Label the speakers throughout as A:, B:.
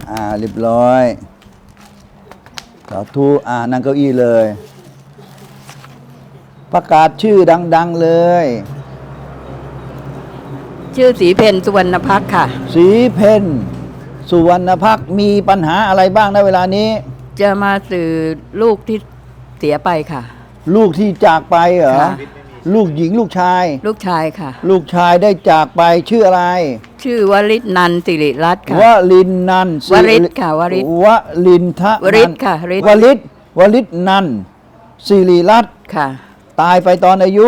A: เรียบร้อยสาธุนั่งเก้าอี้เลยประกาศชื่อดังๆเลย
B: ชื่อศรีเพ็ญสุวรรณภักค่ะ
A: ศรีเพ็ญสุวรรณภักมีปัญหาอะไรบ้างในเวลานี้
B: จะมาสื่อลูกที่เสียไปค่ะ
A: ลูกที่จากไปเหรอลูกหญิงลูกชาย
B: ลูกชายค่ะ
A: ลูกชายได้จากไปชื่ออะไร
B: ชื่อวริศนันท์สิริรัตน์ค่ะ
A: วลินนันท์
B: วริศค่ะวริศ
A: วลินทะ
B: วริศค่ะ
A: วริศนันท์สิริรัตน์
B: ค่ะ
A: ตายไปตอนอายุ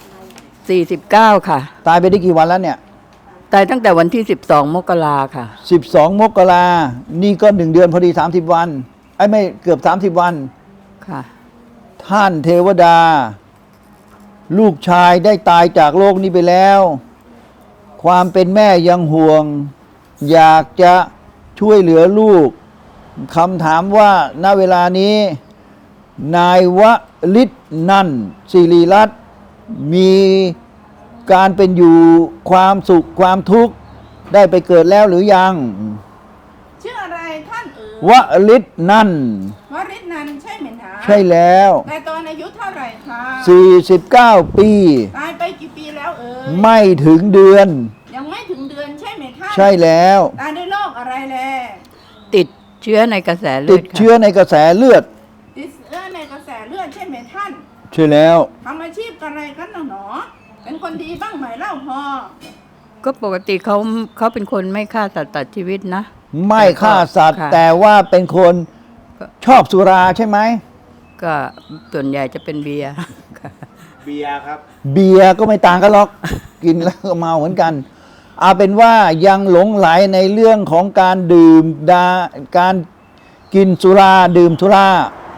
B: 49ค่ะ
A: ตายไปได้กี่วันแล้วเนี่ย
B: ตายตั้งแต่วันที่12มกราค่ะ
A: 12มกรานี่ก็1เดือนพอดี30วันไม่เกือบ30วัน
B: ค่ะ
A: ท่านเทวดาลูกชายได้ตายจากโลกนี้ไปแล้วความเป็นแม่ยังห่วงอยากจะช่วยเหลือลูกคำถามว่าณเวลานี้นายวลิศนันท์ศิริรัตน์มีการเป็นอยู่ความสุขความทุกข์ได้ไปเกิดแล้วหรือยัง
C: ชื่ออะไรท่าน
A: วลิศนันท์
C: วริศนันท์ใช่ไหมคะ
A: ใช่แล้ว
C: แต่ตอนอายุเท่าไหร่คะ
A: 49ปี
C: ตายไปกี่ปีแล้ว
A: ไม่ถึงเดือน
C: ยังไม่ถึงเดือนใช่ไหมท่าน
A: ใช่แล้ว
C: ตายด้วยโรคอะไรแล
B: ติดเชื้อในกระแสเลือด
A: ติดเชื้อในกระแสเลือด
C: ติดเชื้อในกระแสเลือดใช่ไหมท่าน
A: ใช่แล้ว
C: ทำอาชีพอะไรกันหนอเป็นคนดีบ้างไหมเล่าพอ
B: ก็ปกติเขาเป็นคนไม่ฆ่าสัตว์ตัดชีวิตนะ
A: ไม่ฆ่าสัตว์แต่ว่าเป็นคนชอบสุราใช่ไหม
B: ก็ส่วนใหญ่จะเป็นเบียร์
D: เบียร์ครับ
A: เบียร์ก็ไม่ต่างกันหรอกกินแล้วก็เมาเหมือนกันเอาเป็นว่ายังหลงไหลในเรื่องของการดื่มการกินสุราดื่มสุรา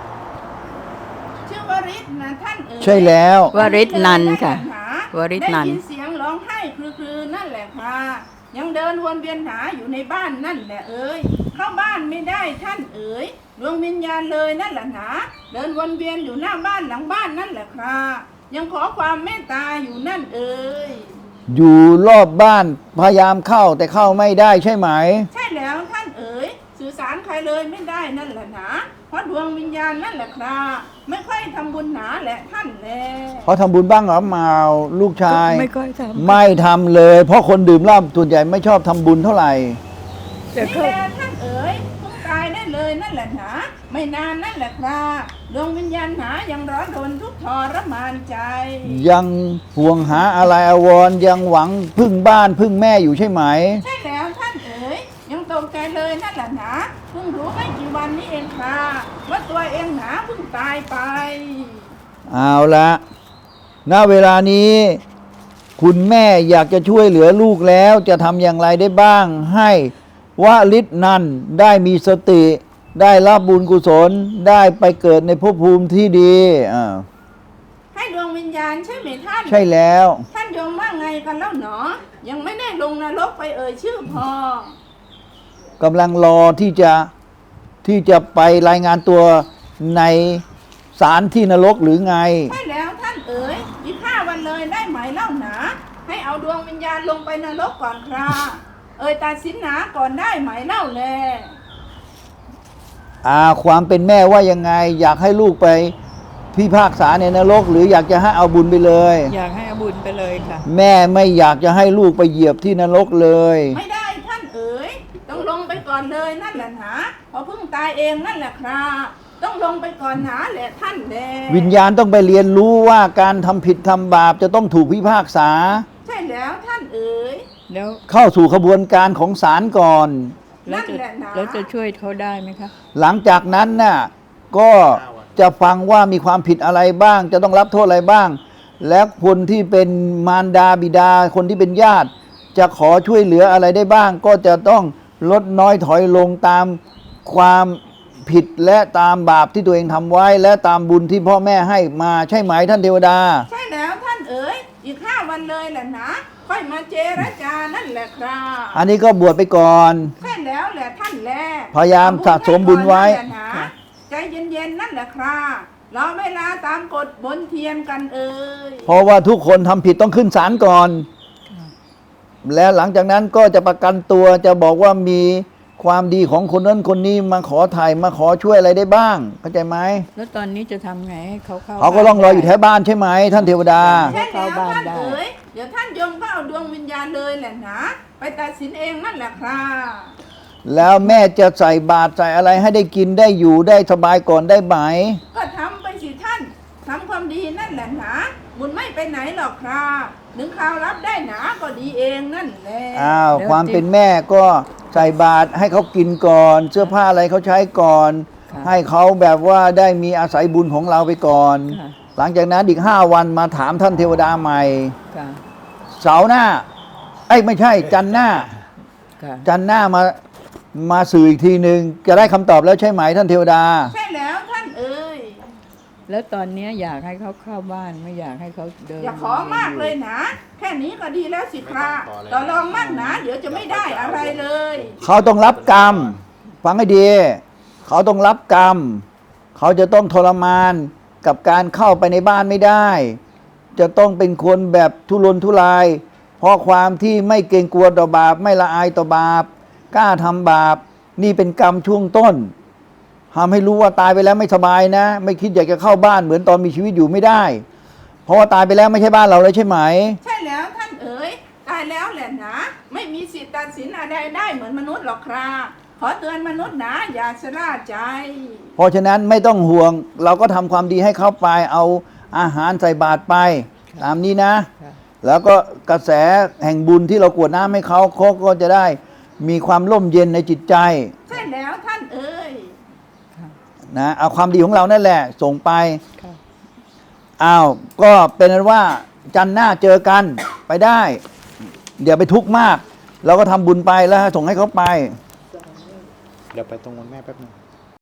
C: ชื่อวริศนะท่าน
A: ใช่แล้ว
B: วริศนันท์ค่ะวริศนันท์
C: ได้ยินเสียงร้องไห้คือนั่นแหละค่ะยังเดินวนเวียนหาอยู่ในบ้านนั่นแหละเข้าบ้านไม่ได้ท่านดวงวิญญาณเลยนั่นแหละนะเดินวนเวียนอยู่หน้าบ้านหลังบ้านนั่นแหละครับยังขอความเมตตาอยู่นั่น
A: อยู่รอบบ้านพยายามเข้าแต่เข้าไม่ได้ใช่ไหม
C: ใช่แล้วท่านสื่อสารใครเลยไม่ได้นั่นแหละนะเพราะดวงวิญญาณนั่นแหละครับไม่ค่อยทำบุญหนาแหละท่านแล
A: เขาทำบุญบ้างหรือเปล่าลูกชาย
B: ไม่ค่อยทำ
A: ไม่ทำเลยเพราะคนดื่มเหล้าส่วนใหญ่ไม่ชอบทำบุญเท่าไหร่
C: นี่แหละท่านเพิ่งตายได้เลยนั่นแหละนะไม่นานนั่นแหละครับดวงวิญญาณหนายังร้อนรนทุกข์ทรมานใจ
A: ยังห่วงหาอะไรอาวรยังหวังพึ่งบ้านพึ่งแม่อยู่ใช่ไหม
C: ใช่แล้วท่านยังตกใจเลยนั่นแหละนะเพิ่งรู้ไม่กี่วันนี้เองค่ะว่าตัวเองหนาเพิ่งตายไป
A: เอาละณเวลานี้คุณแม่อยากจะช่วยเหลือลูกแล้วจะทำอย่างไรได้บ้างให้วลิศนันท์ได้มีสติได้รับบุญกุศลได้ไปเกิดในภพภูมิที่ดี
C: ให้ดวงวิญญาณใช่ไหมท่าน
A: ใช่แล้ว
C: ท่านยมว่าไงกันแล้วหนอยังไม่ได้ลงนรกไปชื่อพ
A: อกำลังรอที่จะไปรายงานตัวในศาลที่นรกหรือไง
C: ใช่แล้วท่านอีก5 วันเลยได้ไหมเล่าหนาให้เอาดวงวิญญาณลงไปนรกก่อนครับตัดสินหนาก่อนได้ไหมเล่าแล
A: ความเป็นแม่ว่ายังไงอยากให้ลูกไปพิพากษาในนรกหรืออยากจะให้เอาบุญไปเลย
B: อยากให้เอาบุญไปเลยค่ะ
A: แม่ไม่อยากจะให้ลูกไปเหยียบที่นรกเลย
C: ไม่ได้ท่านต้องลงไปก่อนเลยนั่นแหละนะพอเพิ่งตายเองนั่นแหละครับต้องลงไปก่อนหนาแหละท่านแล
A: วิญญาณต้องไปเรียนรู้ว่าการทำผิดทำบาปจะต้องถูกพิพากษา
C: ใช่แล้วท่าน
B: แล้ว
A: เข้าสู่ขบวนการของศาลก่อน
B: แล้วจะช่วยเขาได้ไหมคะ
A: หลังจากนั้นน่ะก็จะฟังว่ามีความผิดอะไรบ้างจะต้องรับโทษอะไรบ้างและคนที่เป็นมารดาบิดาคนที่เป็นญาติจะขอช่วยเหลืออะไรได้บ้างก็จะต้องลดน้อยถอยลงตามความผิดและตามบาปที่ตัวเองทำไว้และตามบุญที่พ่อแม่ให้มาใช่ไหมท่านเทวดา
C: ใช่แล้วท่านอีก5 วันเลยแหละนะค่อยมาเจรจานั่นแหละครับ
A: อันนี้ก็บวชไปก่อน
C: ใช่แล้วแหละท่านแล
A: พยายามสะสมบุญไว้
C: ใจเย็นๆนั่นแหละครับรอเวลาตามกฎบนเทียนกัน
A: เพราะว่าทุกคนทำผิดต้องขึ้นศาลก่อนแล้วหลังจากนั้นก็จะประกันตัวจะบอกว่ามีความดีของคนนั้นคนนี้มาขอถ่ายมาขอช่วยอะไรได้บ้างเข้าใจไหม
B: แล้วตอนนี้จะทำไงให้เขาเข้า
A: เขาก็ต้องรออยู่แถวบ้านใช่ไหมท่านเทวดา
C: ใช่แล้วท่านเอ๋ยเดี๋ยวท่านยมก็เอาดวงวิญญาณเลยแหละนะไปตัดสินเองนั่นแหละครับ
A: แล้วแม่จะใส่บาตรใส่อะไรให้ได้กินได้อยู่ได้สบายก่อนได้ไหม
C: ก็ทำไปสิท่านทำความดีนั่นแหละนะบุญไม่ไปไหนหรอกครับถึงข่าวรับได้หนาก็ดีเองนั่นแหละ
A: อ้าวความเป็นแม่ก็ใส่บาตรให้เขากินก่อน เสื้อผ้าอะไรเขาใช้ก่อน ให้เขาแบบว่าได้มีอาศัยบุญของเราไปก่อน
B: ค่ะ
A: หลังจากนั้นอีก5 วันมาถามท่านเทวดาใหม่
B: ค่ะ
A: เสาร์หน้าเอ้ยไม่ใช่จันทร์หน้า
B: ค่ะ
A: จันทร์หน้ามาสื่ออีกทีหนึ่งจะได้คำตอบแล้วใช่ไหมท่านเทวดา
C: ใช่แล้วท่านเอ๋ย
B: แล้วตอนเนี้ยอยากให้เขาเข้าบ้านไม่อยากให้เขาเดิน
C: อย่าขอมากเลยนะ แค่นี้ก็ดีแล้วสิครับต่อรองมากนะเดี๋ยวจะไม่ได้อะไรเลย
A: เขาต้องรับกรรม ฟังให้ดี เขาต้องรับกรรม เขาจะต้องทรมานกับการเข้าไปในบ้านไม่ได้ จะต้องเป็นคนแบบทุรนทุราย เพราะความที่ไม่เกรงกลัวต่อบาป ไม่ละอายต่อบาป กล้าทำบาป นี่เป็นกรรมช่วงต้นทำให้รู้ว่าตายไปแล้วไม่สบายนะ ไม่คิดอยากจะเข้าบ้านเหมือนตอนมีชีวิตอยู่ไม่ได้ เพราะว่าตายไปแล้วไม่ใช่บ้านเราแล้วใช่ไหม
C: ใช่แล้วท่านเอ๋ยตายแล้วแหละนะ ไม่มีสิทธิ์ตัดสินอะไรได้เหมือนมนุษย์หรอกครับขอเตือนมนุษย์นะอย่าชะล่าใจ
A: เพราะฉะนั้นไม่ต้องห่วง เราก็ทำความดีให้เขาไป เอาอาหารใส่บาตรไป ตามนี้นะ
B: ค่ะ
A: แล้วก็กระแสแห่งบุญที่เรากรวดน้ำให้เขาก็จะได้มีความร่มเย็นในจิตใจ
C: ใช่แล้วท่านเอ๋ย
B: ค่ะ
A: นะเอาความดีของเรานั่นแหละ ส่งไป
B: ค่ะ
A: อ้าวก็เป็นนั้นว่าจันทร์หน้าเจอกันไปได้ เดี๋ยวไปทุกข์มาก เราก็ทำบุญไปแล้วส่งให้เขาไป
D: เดี๋ยวไปตรงวันแม่แป๊บนึง